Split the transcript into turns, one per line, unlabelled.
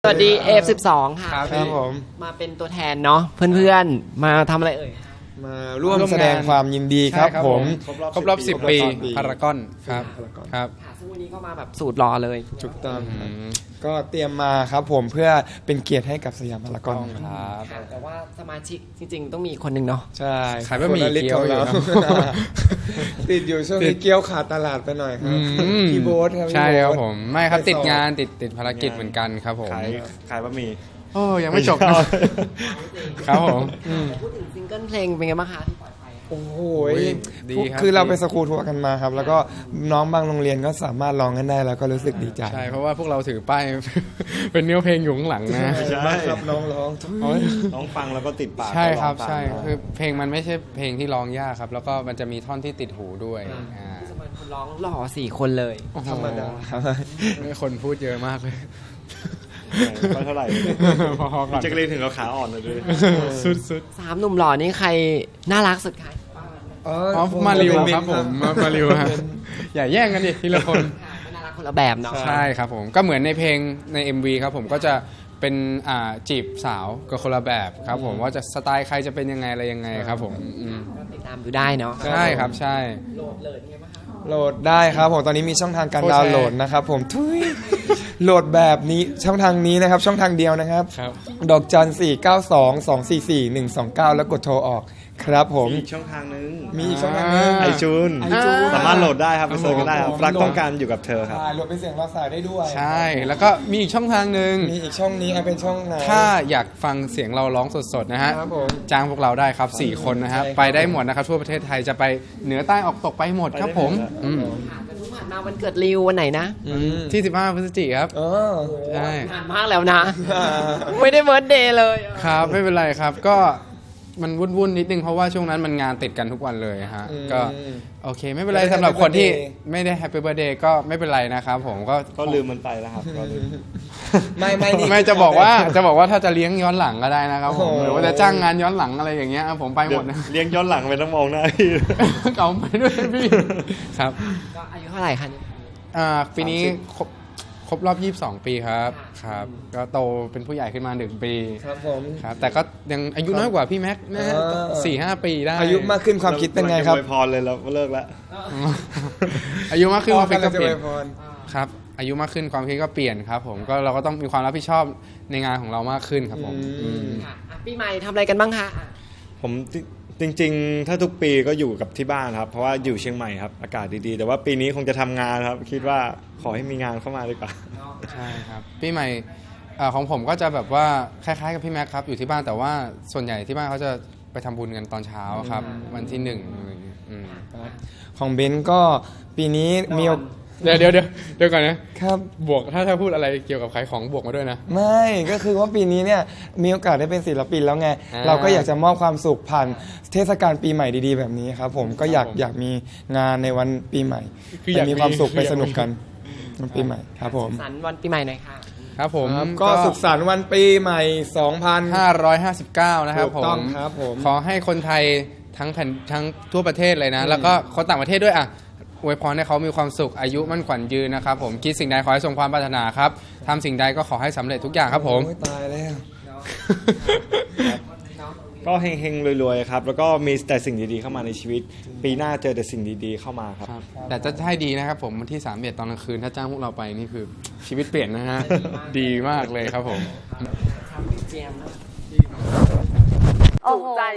สวัสดี F12 ค่ะ
ครับผม
มาเป็นตัวแทนเนาะเพื่อนๆมาทำอะไรเอ่ย
มาร่วมแสดงความยินดีครับผม
ครบรอบ10 ปีพารากอนครับครับ
ค่ะซึ่งวันนี้ก็มาแบบสูตรรอเลย
ถูกต้องครับก็เตรียมมาครับผมเพื่อเป็นเกียรติให้กับสยามพารากอน
ครับ
แต่ว่าสมาชิกจริงๆต้องมีคนหนึ่งเนาะ
ใช่
ขายบะหมี่เกี๊ยวอยู่ครับ
ติดอยู่ช่วงนี้เกี๊ยวขาดตลาดไปหน่อยครับพี่โบ๊ทครับ
ใช่ครับ
พี่โ
ผมไม่ครับ
ไป
ติด
สอบ
งานติดภารกิจเหมือนกันครับผม
ขายบะหมี่
โอ้ยังไม่จบนะ ครับผม
พูดถึงซิงเกิลเพลงเป็นไงบ้างคะที่ปล่อยไป
โอ้โห
ดีครับ
คือเราไปสกูทัวร์กันมาครับ แล้วก็น้องบางโรงเรียนก็สามารถร้องกันได้แล้วก็รู้สึกดีใจ
ใช่เพราะว่าพวกเราถือป้าย เป็นเนื้อเพลงอยู่ข้างหลังนะ
ใช่
มากครับน้องร้อง
น้องฟังแล้วก็ติดปาก
ใช่ครับ
ก็องตาม
ใช่คือเพลงมันไม่ใช่เพลงที่ร้องยากครับ แล้วก็มันจะมีท่อนที่ติดหูด้วยอ่า
ที่สมัยคนร้องหล่อ4 คนเลย
โอ้โห
ธรรมดาครับ
คนพูดเยอะมากเลย
ไม่เท่าไหร่
พอๆก่อน
แจ็คลีนถึงเราขาอ่อนเลยด้วย
สุด
3 หนุ่มหล่อนี่ใครน่ารักสุดคะ
ๆอ๋อมาริวครับผมมาริวฮะอย่าแย่งกันดิทีละคน
ก็น่ารักคนละแบบเนาะ
ใช่ครับผมก็เหมือนในเพลงใน MV ครับผมก็จะเป็นจีบสาวกับคนละแบบครับผมว่าจะสไตล์ใครจะเป็นยังไงอะไรยังไงครับผม
ก็ติดตามดูได้เนาะ
ใช่ครับใช่
โหลดเลยไงบ้างคะ
โหลดได้ครับผมตอนนี้มีช่องทางการ
โคตร
ดาวน์โหลดนะครับผมทุยโหลดแบบนี้ช่องทางนี้นะครับช่องทางเดียวนะครับ
ครับ
ดอกจัน 492-244-129 แล้วกดโทรออกครับผม
มีอีกช่องทางนึง
มีอีกช่องทางนึง
ไอจูน
iTunes
สามารถโหลดได้ครับไปเสิร์ชกันได้ครับรักต้องการอยู่กับเธอครับ
ใช่โหลดเป็นเสียงภาษาได้ด้วย
ใช่แล้วก็มีอีกช่องทางหนึ่ง
มีอีกช่องนี้เป็นช่องไหน
ถ้าอยากฟังเสียงเราร้องสดๆนะฮะ
ครับผม
จ้างพวกเราได้ครับ4 คนนะครับ
ใช่ครับ
ไปได้หมดนะครับทั่วประเทศไทยจะไปเหนือใต้ออกตกไปหมดครับผม
ไปได้หมด
อืม
ค่ะแต่เพิ่งผ่านมาวันเกิดริววันไหนนะ
ที่15 พฤศจิกายนครับ
เออ
ใช่
ผ่านมากแล้วนะ ไม่ได้เบิร์ธเดย์เลย
ครับไม่เป็นไรครับก็มันวุ่นๆนิดนึงเพราะว่าช่วงนั้นมันงานติดกันทุกวันเลยฮะก็โอเคไม่เป็นไร
ไม่ได้
สำหรับคนที่
Happy Birthday
ไม่ได้แฮปปี้เบิร์ดเดย์ก็ไม่เป็นไรนะครับผมก็
ก็ลืมมันไปแล้วครับก็ลืม
ไม่
จะบอกว่าถ้าจะเลี้ยงย้อนหลังก็ได้นะครับผม
โอ้โห
หรือว่าจะจ้างงานย้อนหลังอะไรอย่างเงี้ยผมไปหมดนะ
เลี้ยงย้อนหลังไปต้องมองหน้าพี่
เก่าไปด้วยพี่ครับ
ก็อายุเท่าไหร่คะเนี่ย
ปีนี้ครบรอบ 22 ปีครับครับก็โตเป็นผู้ใหญ่ขึ้นมา1 ปี
ครับผม
ครับแต่ก็ยังอายุน้อยกว่าพี่แม็กซ์นะ 4-5 ปีได้
อายุมากขึ้นความคิดเป็นไงครับ
อวยพรเลยเราเลิกแล้ว
อายุมากขึ้นความคิดก็
จะ
เปลี่
ไป
ยน
พร
ครับอายุมากขึ้นความคิดก็เปลี่ยนครับผมก็เราก็ต้องมีความรับผิดชอบในงานของเรามากขึ้นครับผมม
ค่ะอ่ะปีใหม่ทำอะไรกันบ้างคะอ่ะ
ผมจริงๆ ถ้าทุกปีก็อยู่กับที่บ้านครับ เพราะว่าอยู่เชียงใหม่ครับอากาศดีๆ แต่ว่าปีนี้คงจะทำงานครับ คิดว่าขอให้มีงานเข้ามาดีกว่า
ใช่ครับปีใหม่ของผมก็จะแบบว่าคล้ายๆกับพี่แม็กครับอยู่ที่บ้านแต่ว่าส่วนใหญ่ที่บ้านเขาจะไปทำบุญกันตอนเช้าครับวันที่1อะไรอย่างเงี้ย
ของเบนซ์ก็ปีนี้มีโอก
เดี๋ยวก่อนนะครับ บวกถ้าพูดอะไรเกี่ยวกับขายของบวกมาด้วยนะ
ไม่ก็คือว่าปีนี้เนี่ยมีโอกาสได้เป็นศิลปินแล้วไง
อ่า
เราก็อยากจะมอบความสุขผ่านเทศกาลปีใหม่ดีๆแบบนี้ครับผมก็อยากมีงานในวันปีใหม่
คืออ
ไป
ยาก
มีความสุข
คือ
ไป
อยาก
สนุกกันวันปีใหม่ครับผม
สันวันปีใหม่หน่อยค่ะ
ครับผม
ครับก็สุขสันต์วันปีใหม่
559 นะครับ
ถูกต้องครับผม
ขอให้คนไทยทั้งทั่วประเทศเลยนะ แล้วก็คนต่างประเทศด้วยอ่ะอวยพรให้เขามีความสุขอายุมั่นขวัญยืนนะครับผมคิดสิ่งใดขอให้สมความปรารถนาครับทำสิ่งใดก็ขอให้สำเร็จทุกอย่างครับผม
โอ้ยตายแล้ว
ก็เฮงๆรวยๆครับ แล้วก็มีแต่สิ่งดีๆเข้ามาในชีวิต ปีหน้าเจอแต่สิ่งดีๆเข้ามาครับ
แต่จะให้ดีนะครับผมวันที่31ตอนกลางคืนถ้าจ้างพวกเราไปนี่คือชีวิตเปลี่ยนนะฮะ ดีมากเลยครับผม
เจมส์นะ
โอ้โห